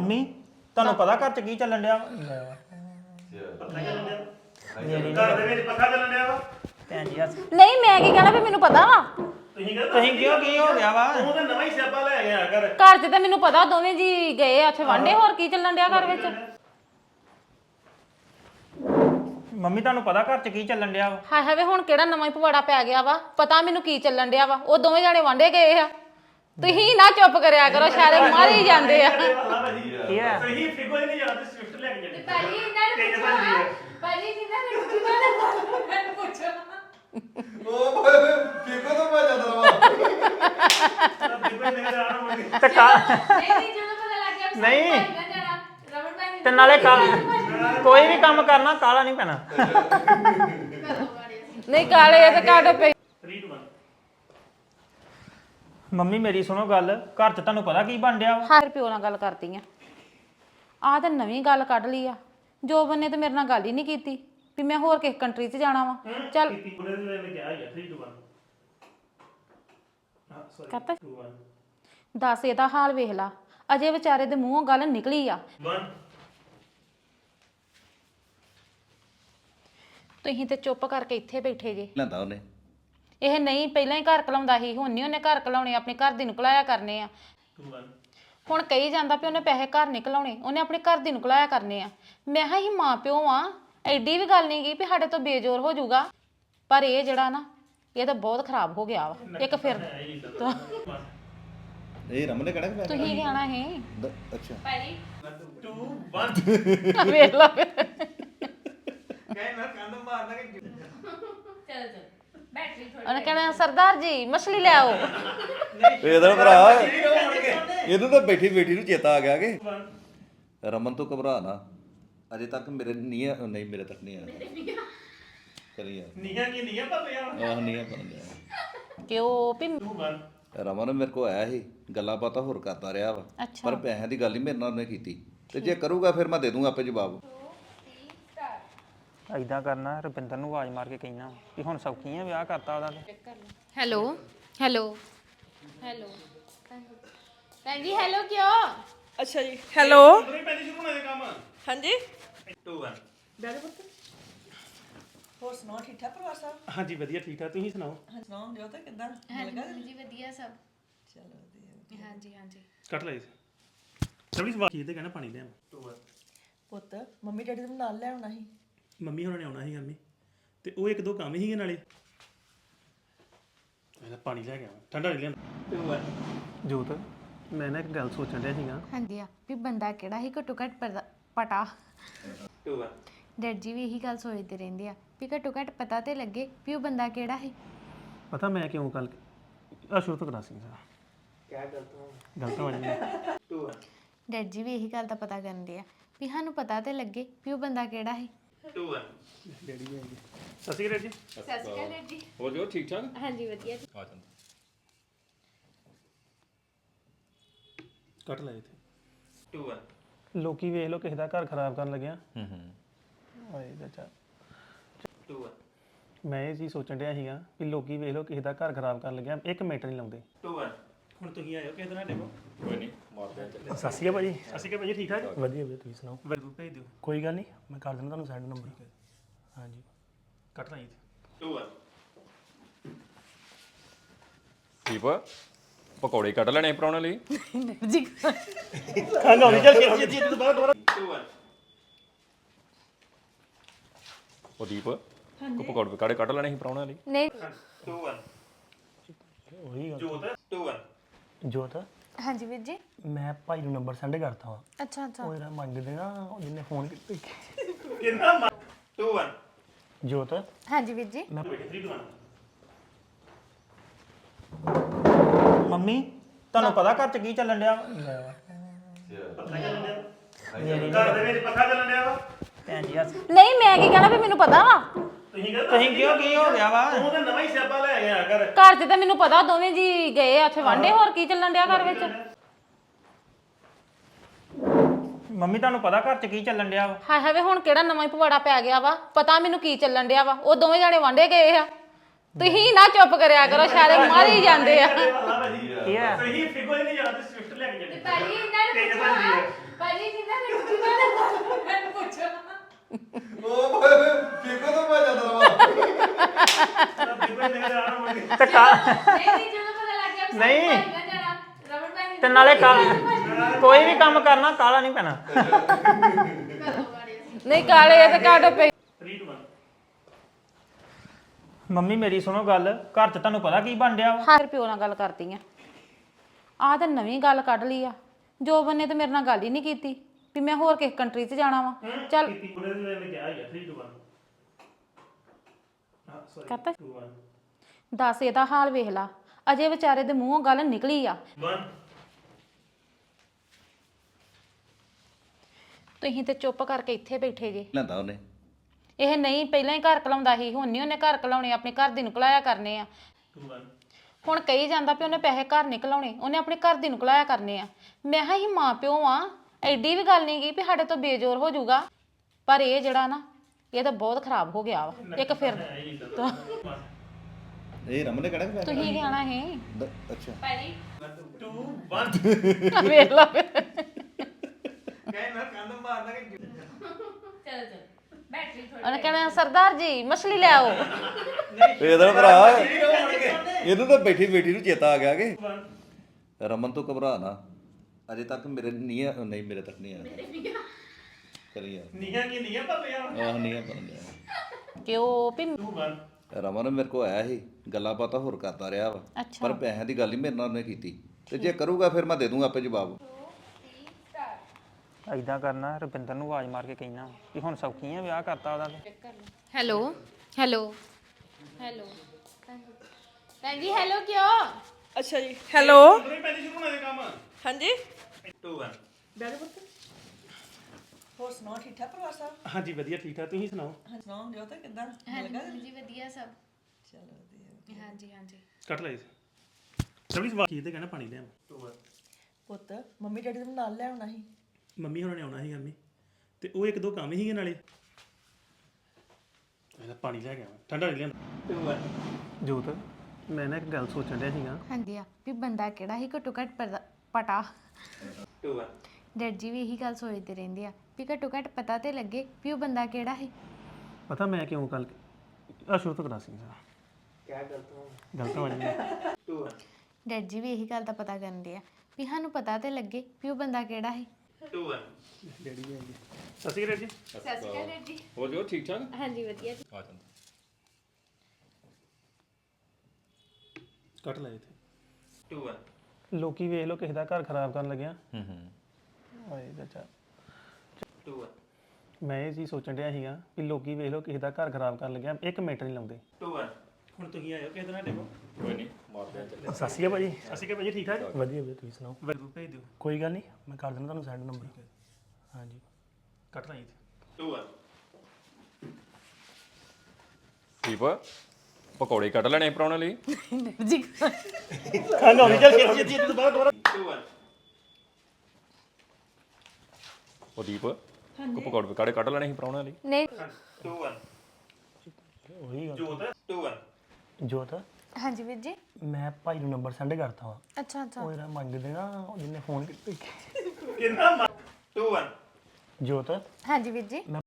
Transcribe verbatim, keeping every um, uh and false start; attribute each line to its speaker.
Speaker 1: Mummy ਤੁਹਾਨੂੰ ਪਤਾ ਘਰ ਚ ਕੀ ਚੱਲਣ ਡਿਆ
Speaker 2: ਘਰ ਦੇ ਵਿੱਚ ਪੱਖਾ ਚੱਲਣ ਡਿਆ ਵਾ
Speaker 1: ਭੈਣ ਜੀ ਹੱਸ
Speaker 3: ਨਹੀਂ ਮੈਂ ਕੀ ਕਹਿਣਾ ਵੀ ਮੈਨੂੰ ਪਤਾ ਵਾ
Speaker 2: ਤੁਸੀਂ ਕਹਿੰਦੇ
Speaker 1: ਤੁਸੀਂ ਕਿਉਂ ਕੀ ਹੋ ਗਿਆ ਵਾ
Speaker 2: ਤੂੰ ਤਾਂ ਨਵਾਂ ਹੀ ਸਿਆਪਾ ਲੈ ਗਿਆ ਕਰ
Speaker 3: ਘਰ 'ਚ ਤਾਂ ਮੈਨੂੰ ਪਤਾ ਦੋਵੇਂ ਜੀ ਗਏ ਆ ਉੱਥੇ ਵਾਂਡੇ ਹੋਰ ਕੀ ਚੱਲਣ ਡਿਆ ਘਰ ਵਿੱਚ
Speaker 1: ਮੰਮੀ ਤੁਹਾਨੂੰ ਪਤਾ ਘਰ ਚ ਕੀ ਚੱਲਣ ਡਿਆ ਵਾ
Speaker 3: ਹਾਏ ਹਾਏ ਹੁਣ ਕਿਹੜਾ ਨਵਾਂ ਹੀ ਪਵਾੜਾ ਪੈ ਗਿਆ ਵਾ ਪਤਾ ਮੈਨੂੰ ਕੀ ਚੱਲਣ ਡਿਆ ਵਾ ਉਹ ਦੋਵੇਂ ਜਾਣੇ ਵਾਂਡੇ ਗਏ ਆ ਤੁਸੀਂ ਨਾ ਚੁੱਪ ਕਰਿਆ ਕਰੋ ਸ਼ਾਇਦ ਮਾਰ ਹੀ ਜਾਂਦੇ ਆ
Speaker 1: ਕੀ ਹੈ
Speaker 2: ਤੁਸੀਂ ਫਿਗੋ ਹੀ ਨਹੀਂ ਜਾਂਦੇ ਸਵਿਫਟ ਲੈ ਕੇ ਜਾਂਦੇ
Speaker 4: ਭਾਜੀ ਇਹਨਾਂ ਨੂੰ
Speaker 2: ਤੇਜ਼ ਬੰਦੀ ਹੈ
Speaker 4: ਭਾਜੀ ਜਿੰਨਾ ਮੈਨੂੰ ਜਿੰਨਾ ਮੈਨੂੰ ਪੁੱਛੋ
Speaker 5: ਉਹ ਬਾਏ ਫੀਕੋ ਤੋਂ ਮੈਂ ਜਾਂਦਾ ਵਾ
Speaker 2: ਫਿਗੋ ਨਹੀਂ ਜਾਣਾ ਮੁੰਡੇ
Speaker 1: ਤੇ ਕਾ
Speaker 4: ਨਹੀਂ ਨਹੀਂ ਜਦੋਂ ਪਤਾ ਲੱਗ ਗਿਆ
Speaker 1: ਨਹੀਂ।
Speaker 4: ਜਾਣਾ ਰਬੜ ਬੈਂਡ
Speaker 1: ਤੇ ਨਾਲੇ ਕਾ ਕੋਈ ਵੀ ਕੰਮ ਕਰਨਾ ਕਾਲਾ ਨਹੀਂ ਪੈਣਾ
Speaker 3: ਨਹੀਂ ਕਾਲੇ ਆ ਤੇ ਕਾਟੋ ਪਈ
Speaker 2: three two one
Speaker 1: ਮੰਮੀ ਮੇਰੀ ਸੁਣੋ ਗੱਲ ਘਰ ਚ ਤੁਹਾਨੂੰ ਪਤਾ ਕੀ ਬਣ ਡਿਆ ਵਾ
Speaker 3: ਹਾਂ ਪਿਓ ਨਾਲ ਗੱਲ ਕਰਦੀ ਆ ਆਹ ਤਾਂ ਨਵੀਂ ਗੱਲ ਕੱਢ ਲਈ ਆ ਜੋਬਨ ਨੇ ਤੇ ਮੇਰੇ ਨਾਲ ਗੱਲ ਹੀ ਨਹੀਂ ਕੀਤੀ ਵੀ ਮੈਂ ਹੋਰ ਕਿਸੇ ਕੰਟਰੀ 'ਚ ਜਾਣਾ ਵਾ ਚੱਲ
Speaker 2: ਕੀਤੀ ਉਹਨੇ ਨੇ ਕਿਹਾ ਹੀ ਆ three two one ਹਾਂ ਸੌਰੀ
Speaker 3: ਕਰਤਾ
Speaker 2: two one
Speaker 3: ਦੱਸ ਇਹਦਾ ਹਾਲ ਵੇਖ ਲਾ ਅਜੇ ਵਿਚਾਰੇ ਦੇ ਮੂੰਹੋਂ ਗੱਲ ਨਿਕਲੀ ਆ
Speaker 2: one
Speaker 3: ਤੁਸੀਂ ਤੇ ਚੁੱਪ ਕਰਕੇ ਇੱਥੇ ਬੈਠੇ ਜੇ
Speaker 5: ਲੈਂਦਾ ਉਹਨੇ
Speaker 3: ਇਹ ਨਹੀਂ ਪਹਿਲਾਂ ਹੀ ਘਰ ਕਲਾਉਂਦਾ ਸੀ ਹੁਣ ਨਹੀਂ ਉਹਨੇ ਘਰ ਕਲਾਉਣੇ ਆਪਣੇ ਘਰ ਦੀ ਨੂੰ ਕਲਾਇਆ ਕਰਨੇ ਆ
Speaker 2: two one
Speaker 3: ਹੁਣ ਕਹੀ ਜਾਂਦਾ ਵੀ ਉਹਨੇ ਪੈਸੇ ਘਰ ਨਿਕਲਾਉਣੇ ਉਹਨੇ ਆਪਣੇ ਘਰ ਦੀ ਨੂੰ ਕਲਾਇਆ ਕਰਨੇ ਆ ਮੈਂ ਹਾਂ ਹੀ ਮਾਂ ਪਿਓ ਆ ਐਡੀ ਵੀ ਗੱਲ ਨਹੀਂ ਗਈ ਵੀ ਸਾਡੇ ਤੋਂ ਬੇਜੋਰ ਹੋ ਜਾਊਗਾ ਪਰ ਇਹ ਜਿਹੜਾ ਨਾ ਇਹ ਤਾਂ ਬਹੁਤ ਖਰਾਬ ਹੋ ਗਿਆ ਵਾ ਇੱਕ ਫਿਰ
Speaker 5: ਇਹ ਰਮਨ ਨੇ ਕਹਿਣਾ ਕਿ ਮੈਂ
Speaker 3: ਤੁਸੀਂ ਕਹਿਣਾ ਹੈ
Speaker 5: ਦ- ਅੱਛਾ
Speaker 4: ਭਾਜੀ
Speaker 2: two one
Speaker 3: ਵੇਖ ਲਾ
Speaker 2: ਕਹਿਣਾ ਕੰਨ ਮਾਰਨਾ ਕਿ
Speaker 4: ਚਲੋ ਚਲੋ ਬੈਟਰੀ ਥੋੜੀ
Speaker 3: ਉਹਨੇ ਕਹਿਣਾ ਸਰਦਾਰ ਜੀ ਮਛਲੀ ਲੈ ਆਓ
Speaker 5: ਇਹਦਾ ਭਰਾ ਇਹਨੂੰ ਤਾਂ ਬੈਠੀ ਬੈਠੀ ਨੂੰ ਚੇਤਾ ਆ ਗਿਆ ਕਿ ਰਮਨ ਤੋਂ ਘਬਰਾ ਨਾ ਅਜੇ ਤੱਕ ਮੇਰੇ ਨਹੀਂ ਆ ਨਹੀਂ ਮੇਰੇ ਤੱਕ ਨਹੀਂ ਆਇਆ ਕਰੀ ਯਾਰ
Speaker 2: ਨੀਆਂ ਕੀ ਨੀਆਂ ਪੱਪਿਆ
Speaker 5: ਆਹ ਨਹੀਂ ਆ ਬਣ ਗਿਆ
Speaker 3: ਕਿਉਂ ਵੀ
Speaker 2: two one
Speaker 5: ਰਮਨ ਮੇਰੇ ਕੋ ਆਇਆ ਸੀ ਗੱਲਾਂ ਬਾਤਾਂ ਹੋਰ ਕਰਦਾ ਰਿਹਾ ਵਾ
Speaker 3: ਅੱਛਾ
Speaker 5: ਪਰ ਪੈਸਿਆਂ ਦੀ ਗੱਲ ਹੀ ਮੇਰੇ ਨਾਲ ਉਹਨੇ ਕੀਤੀ ਤੇ ਜੇ ਕਰੂਗਾ ਫਿਰ ਮੈਂ ਦੇ ਦੂੰਗਾ ਆਪੇ ਜਵਾਬ
Speaker 1: ਐਦਾਂ ਕਰਨਾ ਰੁਪਿੰਦਰ ਨੂੰ ਆਵਾਜ਼ ਮਾਰ ਕੇ ਕਹਿਣਾ ਵੀ ਹੁਣ ਸੌਖੀ ਆ ਵਿਆਹ ਕਰਤਾ ਉਹਦਾ ਤੇ
Speaker 4: ਹੈਲੋ ਹੈਲੋ ਹੈਲੋ ਭੈਣ ਜੀ ਹੈਲੋ ਕਿਉਂ
Speaker 6: ਅੱਛਾ ਜੀ ਹੈਲੋ
Speaker 2: ਤੁਸੀਂ ਪਹਿਲੇ ਸ਼ੁਰੂ ਹੋਣਾ ਇਹ ਕੰਮ
Speaker 6: ਹਾਂਜੀ
Speaker 2: two one
Speaker 6: ਹੋਰ ਸੁਣਾਓ ਠੀਕ ਠਾਕ ਪਰਿਵਾਰ ਸਾਹਿਬ
Speaker 2: ਹਾਂਜੀ ਵਧੀਆ ਠੀਕ ਠਾਕ ਤੁਸੀਂ ਸੁਣਾਓ
Speaker 6: ਹਾਂ ਸੁਣਾਓ ਦਿਓ ਤਾਂ ਕਿੱਦਾਂ
Speaker 4: ਹਾਂਜੀ ਵਧੀਆ ਸਭ
Speaker 6: ਚਲੋ ਵਧੀਆ
Speaker 4: ਹਾਂਜੀ ਹਾਂਜੀ
Speaker 2: ਕੱਟ ਲਈ ਸਭੀ ਸਵਾਲ ਕੀ ਤੇ ਕਹਿਣਾ ਪਾਣੀ ਲਿਆ two one
Speaker 6: ਪੁੱਤ ਮੰਮੀ ਡੈਡੀ ਨੂੰ ਨਾਲ ਲੈ ਆਉਣਾ ਸੀ
Speaker 2: ਮੰਮੀ ਹੋਰਾਂ ਨੇ ਆਉਣਾ ਸੀ ਮੰਮੀ ਤੇ ਉਹ ਇੱਕ ਦੋ ਕੰਮ ਸੀਗੇ ਨਾਲੇ ਇਹਦਾ ਪਾਣੀ ਲੈ ਗਿਆ ਠੰਡਾ ਨਹੀਂ ਲਿਆਂਦਾ two one ਜੋਤ ਮੈਂ ਨਾ ਇੱਕ ਗੱਲ ਸੋਚਣ ਰਿਹਾ ਸੀਗਾ
Speaker 4: ਹਾਂਜੀ ਆ ਵੀ ਬੰਦਾ ਕਿਹੜਾ ਹੀ ਘੱਟੋ ਘੱਟ ਪਰਦਾ- ਪਟਾ
Speaker 2: two one
Speaker 4: ਡੈਡ ਜੀ ਵੀ ਇਹੀ ਗੱਲ ਸੋਚਦੇ ਰਹਿੰਦੇ ਆ ਵੀ ਘੱਟੋ ਘੱਟ ਪਤਾ ਤੇ ਲੱਗੇ ਵੀ ਉਹ ਬੰਦਾ ਕਿਹੜਾ ਹੈ
Speaker 2: ਪਤਾ ਮੈਂ ਕਿਉਂ ਗੱਲ ਆ ਸ਼ੁਰੂ ਤੋਂ ਕਰਾ ਸੀ ਸਰ ਕੀ ਗਲਤ ਹੋ ਗਲਤ ਹੋ ਜਾਣੀ two one
Speaker 4: ਡੈਡ ਜੀ ਵੀ ਇਹੀ ਗੱਲ ਦਾ ਪਤਾ ਕਰਦੇ ਆ ਵੀ ਸਾਨੂੰ ਪਤਾ ਤੇ ਲੱਗੇ ਵੀ ਉਹ ਬੰਦਾ ਕਿਹੜਾ ਹੈ
Speaker 2: two one ਡੈਡੀ ਜੀ ਆਏ ਸਤਿ ਸ਼੍ਰੀ ਅਕਾਲ ਜੀ
Speaker 4: ਸਤਿ ਸ਼੍ਰੀ ਅਕਾਲ ਡੈਡ ਜੀ
Speaker 5: ਹੋ ਜੋ ਠੀਕ ਠਾਕ
Speaker 4: ਹਾਂਜੀ ਵਧੀਆ ਜੀ
Speaker 5: ਆ ਜਾਂਦਾ
Speaker 2: ਕੱਟ ਲੈ ਇੱਥੇ two one
Speaker 1: ਲੋਕੀ ਵੇਖ ਲੋ ਕਿਸੇ ਦਾ ਘਰ ਖਰਾਬ ਕਰਨ ਲੱਗਿਆ
Speaker 5: ਹੂੰ ਹੂੰ
Speaker 1: ਓਏ ਚਾਚਾ
Speaker 2: two one
Speaker 1: ਮੈਂ ਇਹ ਚੀਜ਼ ਸੋਚਣ ਡਿਆ ਸੀਗਾ ਵੀ ਲੋਕੀ ਵੇਖ ਲੋ ਕਿਸੇ ਦਾ ਘਰ ਖਰਾਬ ਕਰਨ ਲੱਗਿਆ ਇੱਕ ਮਿੰਟ ਨਹੀਂ ਲਾਉਂਦੇ
Speaker 2: two one ਹੁਣ ਤੁਸੀਂ ਆਇਓ ਕਿਸੇ ਦਿਨ ਸਾਡੇ ਕੋਲ
Speaker 5: ਕੋਈ ਨਹੀਂ ਮਾਰਦੇ ਆ ਚੱਲ
Speaker 1: ਸਤਿ ਸ਼੍ਰੀ ਅਕਾਲ ਭਾਜੀ
Speaker 2: ਸਤਿ ਸ਼੍ਰੀ ਅਕਾਲ ਭਾਜੀ ਠੀਕ ਠਾਕ
Speaker 1: ਵਧੀਆ ਵਧੀਆ ਤੁਸੀਂ ਸੁਣਾਓ
Speaker 2: ਵੈਰੂ ਭੇਜ ਦਿਓ
Speaker 1: ਕੋਈ ਗੱਲ ਨਹੀਂ ਮੈਂ ਕਰ ਦਿੰਦਾ ਤੁਹਾਨੂੰ ਸੈਂਡ ਨੰਬਰ ਹਾਂਜੀ
Speaker 2: ਕੱਟ ਲੈ ਇੱਥੇ two one
Speaker 7: ਦੀਪ ਪਕੌੜੇ ਕੱਢ ਲੈਣੇ ਪਰਾਉਣੇ ਲਈ
Speaker 3: ਜੀ
Speaker 2: ਖੰਗ ਆਉਣੀ ਚੱਲ ਕੇ ਜੀ ਦੁਬਾਰਾ ਦੁਬਾਰਾ two one
Speaker 7: ਉਹ ਦੀਪ ਕੋ ਪਕੌੜੇ ਕਾੜੇ ਕੱਢ ਲੈਣੇ ਸੀ ਪਰਾਉਣੇ ਲਈ
Speaker 3: ਨਹੀਂ
Speaker 2: two one
Speaker 1: ਉਹੀ ਗੱਲ
Speaker 2: ਜੋਤ two one
Speaker 1: ਜੋਤ
Speaker 4: ਹਾਂਜੀ ਵੀਰ ਜੀ
Speaker 1: ਮੈਂ ਭਾਈ ਨੂੰ ਨੰਬਰ ਸੈਂਡ ਕਰਤਾ ਵਾ
Speaker 4: ਅੱਛਾ ਅੱਛਾ
Speaker 1: ਉਹ ਇਹਦਾ ਮੰਗਦੇ ਨਾ ਉਹ ਜਿਹਨੇ ਫੋਨ ਕੀਤਾ
Speaker 2: ਕਿੰਨਾ two one
Speaker 1: ਜੋਤ
Speaker 4: ਹਾਂਜੀ ਵੀਰ ਜੀ
Speaker 1: ਮੈਂ
Speaker 2: three two one
Speaker 1: ਮੰਮੀ ਤੁਹਾਨੂੰ ਪਤਾ ਘਰ ਚ ਕੀ ਚੱਲਣ ਡਿਆ
Speaker 2: ਘਰ ਦੇ ਵਿੱਚ ਪੱਖਾ ਚੱਲਣ ਡਿਆ ਵਾ
Speaker 1: ਭੈਣ ਜੀ ਹੱਸ
Speaker 3: ਨਹੀਂ ਮੈਂ ਕੀ ਕਹਿਣਾ ਵੀ ਮੈਨੂੰ ਪਤਾ ਵਾ
Speaker 2: ਤੁਸੀਂ ਕਹਿੰਦੇ
Speaker 1: ਤੁਸੀਂ ਕਿਉਂ ਕੀ ਹੋ ਗਿਆ ਵਾ
Speaker 2: ਤੂੰ ਤਾਂ ਨਵਾਂ ਹੀ ਸਿਆਪਾ ਲੈ ਗਿਆ ਕਰ
Speaker 3: ਘਰ 'ਚ ਤਾਂ ਮੈਨੂੰ ਪਤਾ ਦੋਵੇਂ ਜੀ ਗਏ ਆ ਉੱਥੇ ਵਾਂਡੇ ਹੋਰ ਕੀ ਚੱਲਣ ਡਿਆ ਘਰ ਵਿੱਚ
Speaker 1: ਮੰਮੀ ਤੁਹਾਨੂੰ ਪਤਾ ਘਰ ਚ ਕੀ ਚੱਲਣ ਡਿਆ ਵਾ
Speaker 3: ਹਾਏ ਹਾਏ ਹੁਣ ਕਿਹੜਾ ਨਵਾਂ ਹੀ ਪਵਾੜਾ ਪੈ ਗਿਆ ਵਾ ਪਤਾ ਮੈਨੂੰ ਕੀ ਚੱਲਣ ਡਿਆ ਵਾ ਉਹ ਦੋਵੇਂ ਜਾਣੇ ਵਾਂਡੇ ਗਏ ਆ ਤੁਸੀਂ ਨਾ ਚੁੱਪ ਕਰਿਆ ਕਰੋ ਸ਼ਾਇਦ ਮਾਰ ਹੀ ਜਾਂਦੇ ਆ
Speaker 1: ਕੀ ਹੈ
Speaker 2: ਤੁਸੀਂ ਫਿਗੋ ਹੀ ਨਹੀਂ ਜਾਂਦੇ ਸਵਿਫਟ ਲੈ ਕੇ ਜਾਂਦੇ
Speaker 4: ਭਾਜੀ ਇਹਨਾਂ ਨੂੰ
Speaker 2: ਤੇਜ਼ ਬੰਦੀ ਹੈ
Speaker 3: ਭਾਜੀ ਕਿੰਨਾ ਮੈਨੂੰ ਪੁੱਛੋ
Speaker 5: ਉਹ ਦੇਖੋ ਤਾਂ ਮੈਂ ਜਾਂਦਾ ਰਹਾ
Speaker 1: ਤੇ ਕਾ
Speaker 3: ਨਹੀਂ ਜਦੋਂ ਪਤਾ ਲੱਗ ਗਿਆ ਵੀ
Speaker 1: ਨਹੀਂ।
Speaker 3: ਭਾਈ ਨਾ ਜਾਣਾ ਰਬੜ ਬੈਂਡ
Speaker 1: ਤੇ ਨਾਲੇ ਕਾ ਕੋਈ ਵੀ ਕੰਮ ਕਰਨਾ ਕਾਲਾ ਨਹੀਂ ਪੈਣਾ
Speaker 3: ਨਹੀਂ ਕਾਲੇ ਇਹ ਤਾਂ ਕਾਟੋ ਪਈ
Speaker 1: ਮੰਮੀ ਮੇਰੀ ਸੁਣੋ ਗੱਲ ਘਰ 'ਚ ਤੁਹਾਨੂੰ ਪਤਾ ਕੀ ਬਣ ਡਿਆ ਵਾ
Speaker 3: ਹਾਂ ਪਿਓ ਨਾਲ ਗੱਲ ਕਰਦੀ ਆ ਆਹ ਤਾਂ ਨਵੀਂ ਗੱਲ ਕੱਢ ਲਈ ਆ ਜੋਬਨ ਨੇ ਤੇ ਮੇਰੇ ਨਾਲ ਗੱਲ ਹੀ ਨਹੀਂ ਕੀਤੀ ਵੀ ਮੈਂ ਹੋਰ ਕਿਸੇ ਕੰਟਰੀ 'ਚ ਜਾਣਾ ਵਾ ਚੱਲ ਕਰਤਾ ਦੱਸ ਇਹਦਾ ਹਾਲ ਵੇਖ ਲਾ ਅਜੇ ਵਿਚਾਰੇ ਦੇ ਮੂੰਹੋਂ ਗੱਲ ਨਿਕਲੀ ਆ ਤੁਸੀਂ ਤੇ ਚੁੱਪ ਕਰਕੇ ਇੱਥੇ ਬੈਠੇ ਜੇ
Speaker 5: ਲੈਂਦਾ ਉਹਨੇ
Speaker 3: ਇਹ ਨਹੀਂ ਪਹਿਲਾਂ ਹੀ ਘਰ ਕਲਾਉਂਦਾ ਸੀ ਹੁਣ ਨਹੀਂ ਉਹਨੇ ਘਰ ਕਲਾਉਣੇ ਆਪਣੇ ਘਰ ਦੀ ਨਿਕਲਾਇਆ ਕਰਨੇ ਆ ਹੁਣ ਕਹੀ ਜਾਂਦਾ ਵੀ ਉਹਨੇ ਪੈਸੇ ਘਰ ਨਿਕਲਾਉਣੇ ਉਹਨੇ ਆਪਣੇ ਘਰ ਦੀ ਨਿਕਲਾਇਆ ਕਰਨੇ ਆ ਮੈਂ ਹਾਂ ਹੀ ਮਾਂ ਪਿਓ ਆ ਐਡੀ ਵੀ ਗੱਲ ਨਹੀਂ ਗਈ ਵੀ ਸਾਡੇ ਤੋਂ ਬੇਜੋਰ ਹੋ ਜਾਊਗਾ ਪਰ ਇਹ ਜਿਹੜਾ ਨਾ ਇਹ ਤਾਂ ਬਹੁਤ ਖਰਾਬ ਹੋ ਗਿਆ ਵਾ ਇੱਕ ਫਿਰ
Speaker 5: ਇਹ ਰਮਨ ਨੇ ਕਹਿਣਾ ਕਿ ਮੈਂ
Speaker 3: ਤੁਸੀਂ ਕਹਿਣਾ ਹੈ
Speaker 5: ਦ- ਅੱਛਾ
Speaker 3: ਵੇਖ ਲਾ ਉਹਨੇ ਕਹਿਣਾ ਸਰਦਾਰ ਜੀ ਮਛਲੀ ਲੈ ਆਓ
Speaker 5: ਇਹਦਾ ਭਰਾ ਇਹਨੂੰ ਤਾਂ ਬੈਠੀ ਬੈਠੀ ਨੂੰ ਚੇਤਾ ਆ ਗਿਆ ਕਿ ਰਮਨ ਤੋਂ ਘਬਰਾ ਨਾ ਅਜੇ ਤੱਕ ਮੇਰੇ ਨਹੀਂ ਆ- ਨਹੀਂ ਮੇਰੇ ਤੱਕ ਨਹੀਂ ਆਇਆ ਕਰੀ ਯਾਰ
Speaker 2: ਨੀਆਂ ਕੀ ਨੀਆਂ ਪੱਪਿਆ
Speaker 5: ਆਹ ਨਹੀਂ ਆ ਬੰਦਾ
Speaker 3: ਕਿਉਂ ਵੀ
Speaker 5: ਰਮਨ ਮੇਰੇ ਕੋ ਆਇਆ ਸੀ ਗੱਲਾਂ ਬਾਤਾਂ ਹੋਰ ਕਰਦਾ ਰਿਹਾ ਵਾ
Speaker 3: ਅੱਛਾ
Speaker 5: ਪਰ ਪੈਸਿਆਂ ਦੀ ਗੱਲ ਹੀ ਮੇਰੇ ਨਾਲ ਉਹਨੇ ਕੀਤੀ ਤੇ ਜੇ ਕਰੂਗਾ ਫਿਰ ਮੈਂ ਦੇ ਦੂੰਗਾ ਆਪੇ ਜਵਾਬ
Speaker 1: ਐਦਾਂ ਕਰਨਾ ਰੁਪਿੰਦਰ ਨੂੰ ਆਵਾਜ਼ ਮਾਰ ਕੇ ਕਹਿਣਾ ਵੀ ਹੁਣ ਸੌਖੀ ਆ ਵਿਆਹ ਕਰਤਾ ਉਹਦਾ ਤੇ
Speaker 4: ਹੈਲੋ ਹੈਲੋ ਹੈਲੋ ਭੈਣ ਜੀ ਹੈਲੋ ਕਿਉਂ
Speaker 6: ਅੱਛਾ ਜੀ ਹੈਲੋ ਹਾਂਜੀ ਬੈਠੋ ਪੁੱਤ ਹੋਰ ਸੁਣਾਓ ਠੀਕ ਠਾਕ ਪਰਿਵਾਰ ਸਾਹਿਬ
Speaker 2: ਹਾਂਜੀ ਵਧੀਆ ਠੀਕ ਠਾਕ ਤੁਸੀਂ ਸੁਣਾਓ
Speaker 6: ਹਾਂ ਸੁਣਾਓ ਦਿਓ ਤਾਂ ਕਿਦਾਂ
Speaker 4: ਹਾਂਜੀ ਜੀ ਵਧੀਆ ਸਭ
Speaker 6: ਚਲੋ ਵਧੀਆ
Speaker 4: ਹਾਂਜੀ ਹਾਂਜੀ
Speaker 2: ਕੱਟ ਲਈ ਸਭੀ ਸਵਾਲ ਕੀ ਤੇ ਕਹਿਣਾ ਪਾਣੀ ਲਿਆ
Speaker 6: ਪੁੱਤ ਮੰਮੀ ਡੈਡੀ ਨੂੰ ਨਾਲ ਲੈ ਆਉਣਾ ਸੀ
Speaker 2: ਮੰਮੀ ਹੋਰਾਂ ਨੇ ਆਉਣਾ ਸੀ ਮੰਮੀ ਤੇ ਉਹ ਇੱਕ ਦੋ ਕੰਮ ਸੀਗੇ ਨਾਲੇ ਇਹਦਾ ਪਾਣੀ ਲੈ ਗਿਆ ਠੰਡਾ ਨਹੀਂ ਲਿਆਂਦਾ ਜੋਤ ਮੈਂ ਨਾ ਇੱਕ ਗੱਲ ਸੋਚਣ ਡਿਆ ਸੀਗਾ
Speaker 4: ਹਾਂਜੀ ਆ ਵੀ ਬੰਦਾ ਕਿਹੜਾ ਹੀ ਘੱਟੋ ਘੱਟ ਪਤਾ- ਪਟਾ ਡੈਡ ਜੀ ਵੀ ਇਹੀ ਗੱਲ ਸੋਚਦੇ ਰਹਿੰਦੇ ਆ ਵੀ ਘੱਟੋ ਘੱਟ ਪਤਾ ਤੇ ਲੱਗੇ ਵੀ ਉਹ ਬੰਦਾ ਕਿਹੜਾ ਹੈ
Speaker 2: ਪਤਾ ਮੈਂ ਕਿਉਂ ਕੱਲ ਆ ਸ਼ੁਰੂ ਤੋਂ ਕਰਾ ਸੀ ਜਰਾ ਕਿਆ ਗਲਤ ਗਲਤ ਹੋ ਜਾਂਦੀ
Speaker 4: ਡੈਡ ਜੀ ਵੀ ਇਹੀ ਗੱਲ ਦਾ ਪਤਾ ਕਰਦੇ ਆ ਵੀ ਸਾਨੂੰ ਪਤਾ ਤੇ ਲੱਗੇ ਵੀ ਉਹ ਬੰਦਾ ਕਿਹੜਾ ਹੈ
Speaker 2: ਡੈਡੀ ਵੀ ਆਈ ਸਤਿ ਸ਼੍ਰੀ ਅਕਾਲ ਜੀ
Speaker 4: ਸਤਿ ਸ਼੍ਰੀ ਅਕਾਲ ਡੈਡ ਜੀ
Speaker 7: ਹੋਰ ਜੋ ਠੀਕ ਠਾਕ
Speaker 4: ਹਾਂਜੀ ਵਧੀਆ ਜੀ
Speaker 7: ਆ ਜਾਂਦਾ
Speaker 2: ਕੱਟ ਲੈ ਇੱਥੇ ਲੋਕੀ ਵੇਖ ਲੋ ਕਿਸੇ ਦਾ ਘਰ ਖਰਾਬ ਕਰਨ ਲੱਗਿਆ
Speaker 5: ਹੂੰ ਹੂੰ
Speaker 2: ਓਏ ਚਾਚਾ ਮੈਂ ਇਹ ਚੀਜ਼ ਸੋਚਣ ਡਿਆ ਸੀਗਾ ਵੀ ਲੋਕੀ ਵੇਖ ਲੋ ਕਿਸੇ ਦਾ ਘਰ ਖਰਾਬ ਕਰਨ ਲੱਗਿਆ ਇੱਕ ਮਿੰਟ ਨਹੀਂ ਲਾਉਂਦੇ ਹੁਣ ਤੁਸੀਂ ਆਇਓ ਕਿਸੇ ਦਿਨ ਸਾਡੇ ਕੋਲ
Speaker 7: ਕੋਈ ਨਹੀਂ ਮਾਰਦੇ ਚੱਲੇ
Speaker 2: ਸਤਿ ਸ਼੍ਰੀ ਅਕਾਲ ਭਾਜੀ ਸਤਿ ਸ਼੍ਰੀ ਅਕਾਲ ਭਾਜੀ ਠੀਕ ਠਾਕ ਵਧੀਆ ਵਧੀਆ ਤੁਸੀਂ ਸੁਣਾਓ ਵੈਰੂ ਭੇਜ ਦਿਓ ਕੋਈ ਗੱਲ ਨਹੀਂ ਮੈਂ ਕਰ ਦਿੰਦਾ ਤੁਹਾਨੂੰ ਸੈਂਡ ਨੰਬਰ ਹਾਂਜੀ ਕੱਟ ਲਈ
Speaker 7: ਦੀਪ ਪਕੌੜੇ ਕੱਢ ਲੈਣੇ ਪਰਾਉਣੇ ਲਈ
Speaker 3: ਜੀ
Speaker 2: ਖੰਗ ਹੋ ਗਈ ਚੱਲ ਛੇਤੀ ਛੇਤੀ ਤੋਂ ਬਾਅਦ ਦੁਬਾਰਾ
Speaker 7: ਉਹ ਦੀਪ ਕੋ ਪਕੌੜੇ ਕਾੜੇ ਕੱਢ ਲੈਣੇ ਸੀ ਪਰਾਉਣੇ ਲਈ
Speaker 4: ਨਹੀਂ
Speaker 2: ਉਹੀ ਗੱਲ ਜੋਤ
Speaker 4: ਹਾਂਜੀ ਵੀਰ ਜੀ
Speaker 2: ਮੈਂ ਭਾਈ ਨੂੰ ਨੰਬਰ ਸੈਂਡ ਕਰਤਾ ਵਾ
Speaker 4: ਅੱਛਾ ਅੱਛਾ
Speaker 2: ਉਹ ਜਿਹੜਾ ਮੰਗਦੇ ਨਾ ਉਹ ਜਿਹਨੇ ਫੋਨ ਕੀਤਾ
Speaker 3: ਟੂ ਵਨ
Speaker 2: ਜੋਤ
Speaker 4: ਹਾਂਜੀ ਵੀਰ ਜੀ